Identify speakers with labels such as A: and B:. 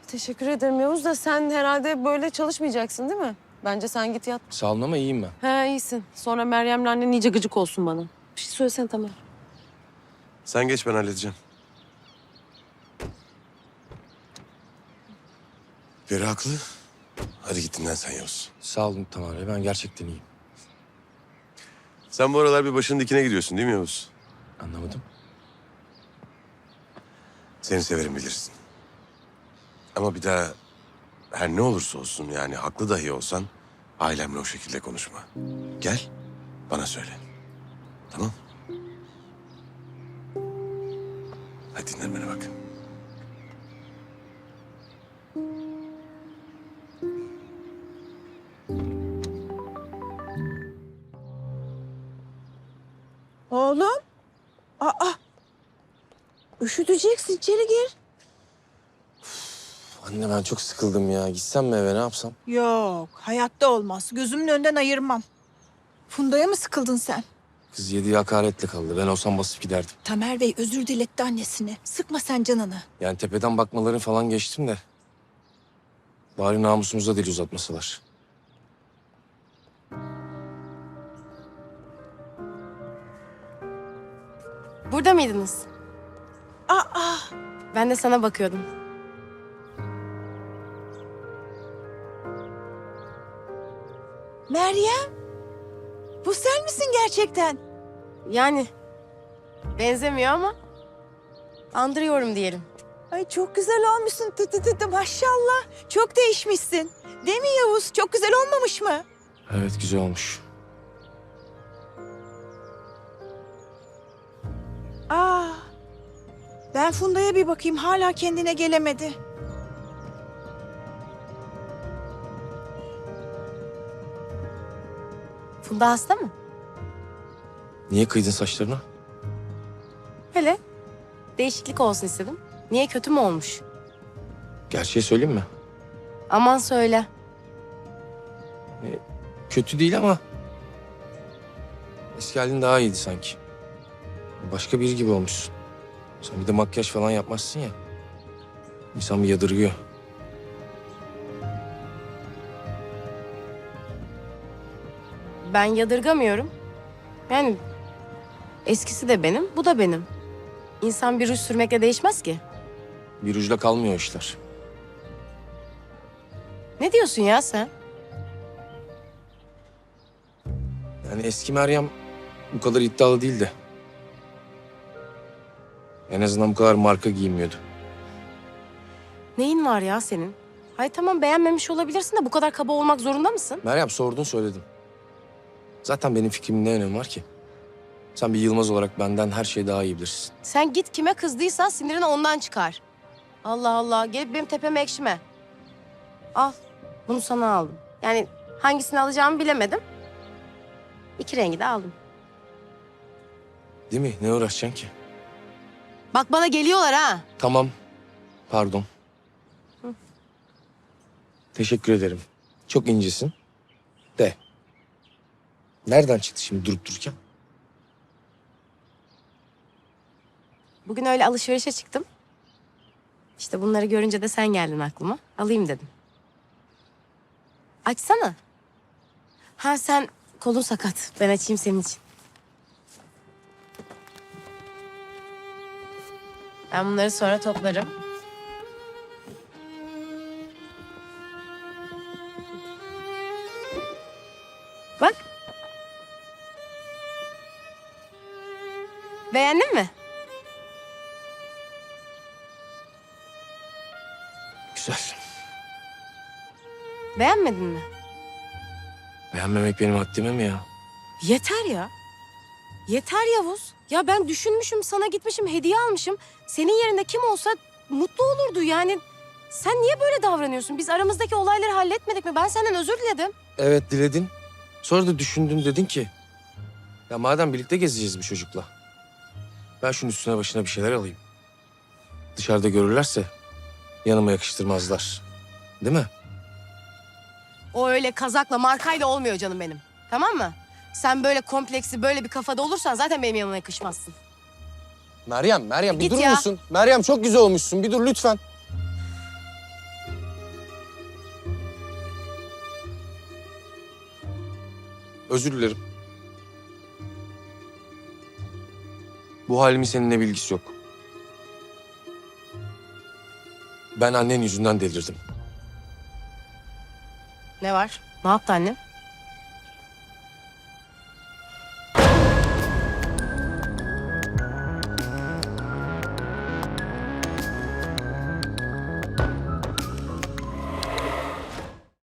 A: Teşekkür ederim Yavuz da sen herhalde böyle çalışmayacaksın değil mi? Bence sen git yat.
B: Sağ olun ama iyiyim ben.
A: He iyisin. Sonra Meryem'le annen iyice gıcık olsun bana. Bir şey söylesene Tamer.
C: Sen geç, ben halledeceğim. Peri haklı. Hadi git dinlen sen Yavuz.
B: Sağ olun Tamer Bey, ben gerçekten iyiyim.
C: Sen bu aralar bir başının dikine gidiyorsun değil mi Yavuz?
B: Anlamadım.
C: Seni severim bilirsin. Ama bir daha her ne olursa olsun, yani haklı dahi olsan ailemle o şekilde konuşma. Gel bana söyle. Tamam? Hadi dinlenmene bak.
D: Oğlum. Aa. Üşüteceksin, içeri gir.
B: Anne ben çok sıkıldım ya. Gitsem mi eve, ne yapsam?
D: Yok, hayatta olmaz. Gözümün önünden ayırmam. Funda'ya mı sıkıldın sen?
B: Kız yediği hakaretle kaldı. Ben olsam basıp giderdim.
D: Tamer Bey özür diletti annesine. Sıkma sen canını.
B: Yani tepeden bakmaları falan geçtim de. Bari namusumuza dil uzatmasalar.
A: Burada mıydınız?
D: Aa,
A: Ben de sana bakıyordum.
D: Meryem. Bu sen misin gerçekten?
A: Yani benzemiyor ama andırıyorum diyelim.
D: Ay çok güzel olmuşsun. Maşallah. Çok değişmişsin. Değil mi Yavuz? Çok güzel olmamış mı?
B: Evet, güzel olmuş.
D: Aa. Ben Funda'ya bir bakayım. Hala kendine gelemedi.
A: Funda hasta mı?
B: Niye kıydın saçlarına?
A: Hele değişiklik olsun istedim. Niye, kötü mü olmuş?
B: Gerçeği söyleyeyim mi?
A: Aman söyle.
B: Kötü değil ama... eski halin daha iyiydi sanki. Başka biri gibi olmuşsun. Sen bir de makyaj falan yapmazsın ya. İnsan bir yadırgıyor.
A: Ben yadırgamıyorum. Yani eskisi de benim, bu da benim. İnsan bir ruj sürmekle değişmez ki.
B: Bir ucla kalmıyor işler.
A: Ne diyorsun ya sen?
B: Yani eski Meryem bu kadar iddialı değildi. En azından bu kadar marka giyinmiyordu.
A: Neyin var ya senin? Hay tamam, beğenmemiş olabilirsin de bu kadar kaba olmak zorunda mısın?
B: Meryem, sordun söyledim. Zaten benim fikrimin ne önemi var ki? Sen bir Yılmaz olarak benden her şeyi daha iyi bilirsin.
A: Sen git kime kızdıysan sinirini ondan çıkar. Allah Allah, gelip benim tepeme ekşime. Al, bunu sana aldım. Yani hangisini alacağımı bilemedim. İki rengi de aldım.
B: Değil mi? Ne uğraşacaksın ki?
A: Bak bana geliyorlar ha.
B: Tamam. Pardon. Teşekkür ederim. Çok incesin. De. Nereden çıktı şimdi durup dururken?
A: Bugün öyle alışverişe çıktım. İşte bunları görünce de sen geldin aklıma. Alayım dedim. Açsana. Ha sen kolun sakat. Ben açayım senin için. Ben bunları sonra toplarım. Bak. Beğendin mi?
B: Güzel.
A: Beğenmedin mi?
B: Beğenmemek benim haddime mi ya?
A: Yeter ya. Yeter Yavuz. Ya ben düşünmüşüm, sana gitmişim, hediye almışım. Senin yerinde kim olsa mutlu olurdu yani. Sen niye böyle davranıyorsun? Biz aramızdaki olayları halletmedik mi? Ben senden özür diledim.
B: Evet, diledin. Sonra da düşündün, dedin ki... ya madem birlikte gezeceğiz bu çocukla... ben şunun üstüne başına bir şeyler alayım. Dışarıda görürlerse yanıma yakıştırmazlar. Değil mi?
A: O öyle kazakla, markayla olmuyor canım benim. Tamam mı? Sen böyle kompleksi, böyle bir kafada olursan zaten benim yanıma yakışmazsın.
B: Meryem bir
A: Git
B: durur
A: ya.
B: musun? Meryem, çok güzel olmuşsun. Bir dur lütfen. Özür dilerim. Bu halimin seninle bilgisi yok. Ben annen yüzünden delirdim.
A: Ne var? Ne yaptı annem?